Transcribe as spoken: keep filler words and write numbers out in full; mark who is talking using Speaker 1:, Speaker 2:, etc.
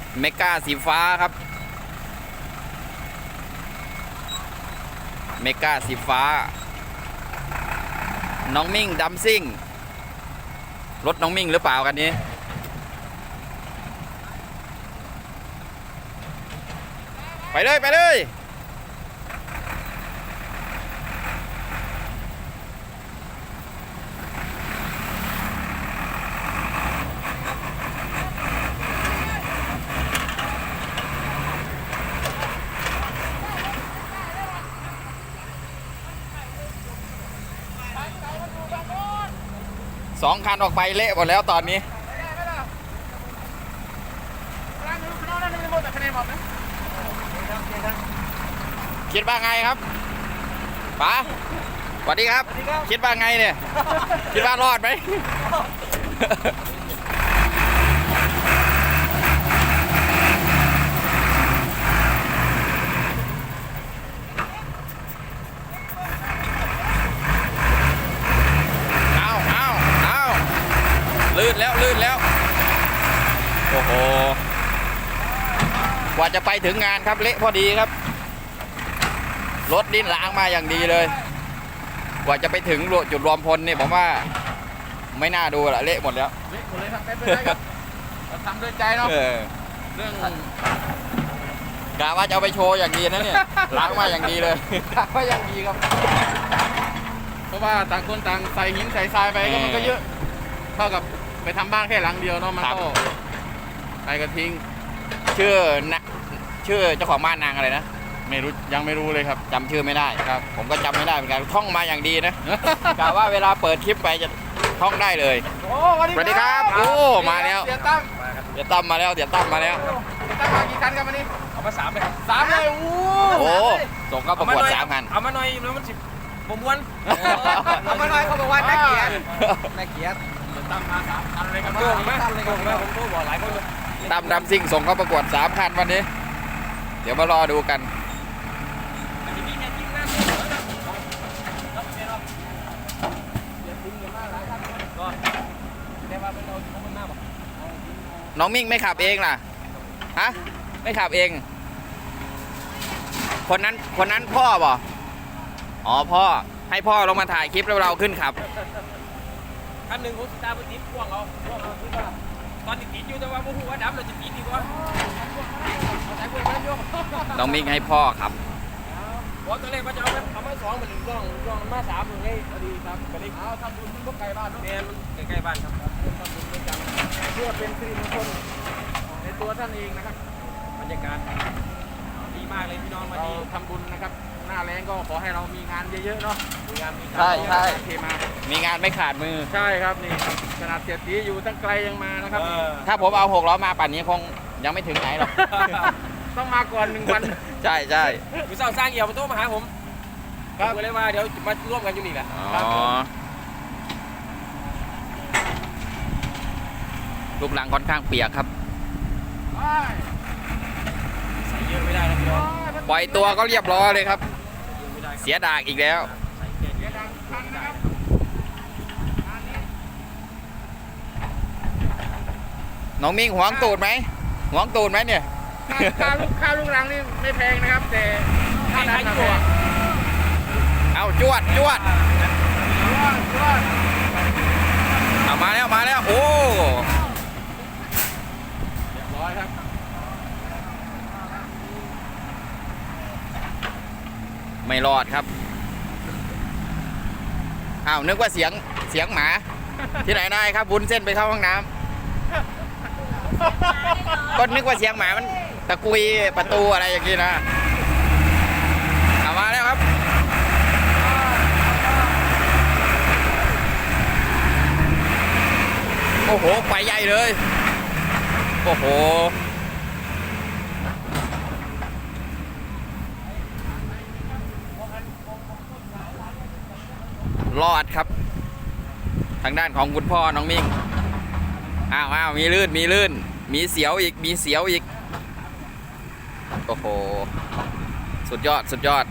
Speaker 1: เมกาสีฟ้าครับเมกาสีฟ้าน้องมิ่งดัมซิ่งรถน้องมิ่งหรือเปล่ากันนี้ไปเลยไปเลยสองคันออกไปเละหมดแล้วตอนนี้คิดว่าไงครับป๋าสวัสดีครับคิดว่าไงเนี่ยคิดว่ารอดไหมลื่นแล้วลื่นแล้วโอ้โหกว่าจะไปถึงงานครับเละพอดีครับรถดิ้นล้างมาอย่างดีเลยกว่าจะไปถึงจุดรวมพลนี่ผมว่าไม่น่าดูละเละหมดแล้ว
Speaker 2: เละหมดเลยทำไปเลยครับเราทำด้วยใจเนาะเรื่อง
Speaker 1: กะว่าจะเอาไปโชว์อย่างดีนะเนี่ยล้างมาอย่างดีเลย
Speaker 2: ล้างมาอย่างดีครับเพราะว่าต่างคนต่างใส่หินใส่ทรายไปก็มันก็เยอะเท่ากับไปทำบ้านแค่หลังเดียวเนาะมันก็ไปกระทิ้ง
Speaker 1: ชื่อนะชื่อเจ้าของบ้านนางอะไรนะ
Speaker 2: ไม่รู้ยังไม่รู้เลยครับ
Speaker 1: จำชื่อไม่ได้ครับผมก็จำไม่ได้เหมือนกันท่องมาอย่างดีนะกะว่าเวลาเปิดคลิปไปจะท่องได้เลย
Speaker 2: โอ้
Speaker 1: สวัสดีครับโอ้มาแล้ว
Speaker 2: เดี๋ยวตั้ม
Speaker 1: เดี๋ยวตั้มมาแล้วเดี๋ยวตั้มมาแล้ว
Speaker 2: ตั้มมากี่คันครับวันนี้เอามาสามเลยสามเลยโอ้
Speaker 1: โหส่งเข้าประกวดสามคัน
Speaker 3: เอามาหน่อยแล้วมันสิบผมม้วน
Speaker 2: เอามาหน่อยเขาบอกว่าน่าเกลียดน่าเกลียดตั้มมาสามคันเลยครับ
Speaker 3: โกงไหมโกงไหมผมโทรบอกหลายคนเลย
Speaker 1: ตั้มดัมซิ่งส่งเข้าประกวดสามคันวันนี้เดี๋ยวมารอดูกันน้องมิ่งไม่ขับเองล่ะฮะไม่ขับเองคนนั้นคนนั้นพ่อบ่อ๋อพ่อให้พ่อลงมาถ่ายคลิปแล้วเราขึ้นขับ
Speaker 3: คันหนึ่งผมตามไปติดพ่วงเอาพ่วงเอาที่ว่าตอนติดอยู่แต่ว่าผมว่าดับเราจะติดดีกว่า
Speaker 1: น้องมิ่งให้พ่อครับ
Speaker 3: เพราะตอนแรกว่าจะเอาเอามาสองมาหนึ่งกล้องกล้องมาสามหนึ่งให้พอดีครับพอดี
Speaker 2: เอาทำบุญมันก็ไกลบ้านเนาะ
Speaker 3: เนี่ยมันใกล้ๆบ้านครับ
Speaker 2: ทำบุญด้วยกันเพื่อเป็นสิริมงคลในตัวท่านเองนะครับ
Speaker 3: บรรยากาศดีมากเลยพี่น้องมาดี
Speaker 2: ทำบุญนะครับหน้าแรงก็ขอให้เรามีงานเยอะๆเนาะมีงานมี
Speaker 1: ใช่ใช่
Speaker 2: เทมา
Speaker 1: มีงานไม่ขาดมือ
Speaker 2: ใช่ครับนี่ขนาดเสียตีอยู่ตั้งไกลยังมานะครับ
Speaker 1: ถ้าผมเอาหกล้อมาป่านนี้คงยังไม่ถึงไหนหรอก
Speaker 2: ต้องมาก่อนหนึ่งวัน
Speaker 1: ใช่ใช่
Speaker 3: พี่สาวสร้างเอี่ยวมาโทรมาหาผมครับเลยว่าเดี๋ยวมาร่วมกันอยู่นี่แหละ
Speaker 1: อ๋อรูปหลังค่อนข้างเปียกครับ
Speaker 3: ใส่เยอะไม่ได้นะพี่น้อง
Speaker 1: ปล่อยตัวก็เรียบร้อยเลยครับเสียดากอีกแล้วน้องมิ่งหวงตูดไหมหวงตูดไหมเนี่ย
Speaker 2: ค่าลูกค่าลูกรังนี่ไม่แพงนะครับแต่ค่าน้ำตัว
Speaker 1: เอาจวดจวดเอามาแล้วมาแล้วโอ้
Speaker 2: เรียบร้อยครับ
Speaker 1: ไม่รอดครับอ้าวนึกว่าเสียงเสียงหมาที่ไหนได้ครับบุญเส้นไปเข้าห้องน้ำก็นึกว่าเสียงหมามันตะกุยประตูอะไรอย่างนี้นะเอามาแล้วครับโอ้โหไปใหญ่เลยโอ้โหรอดครับทางด้านของคุณพ่อน้องมิ่งอ้าวอ้าวมีลื่นมีลื่นมีเสียวอีกมีเสียวอีกโอ้โหสุดยอดสุดยอด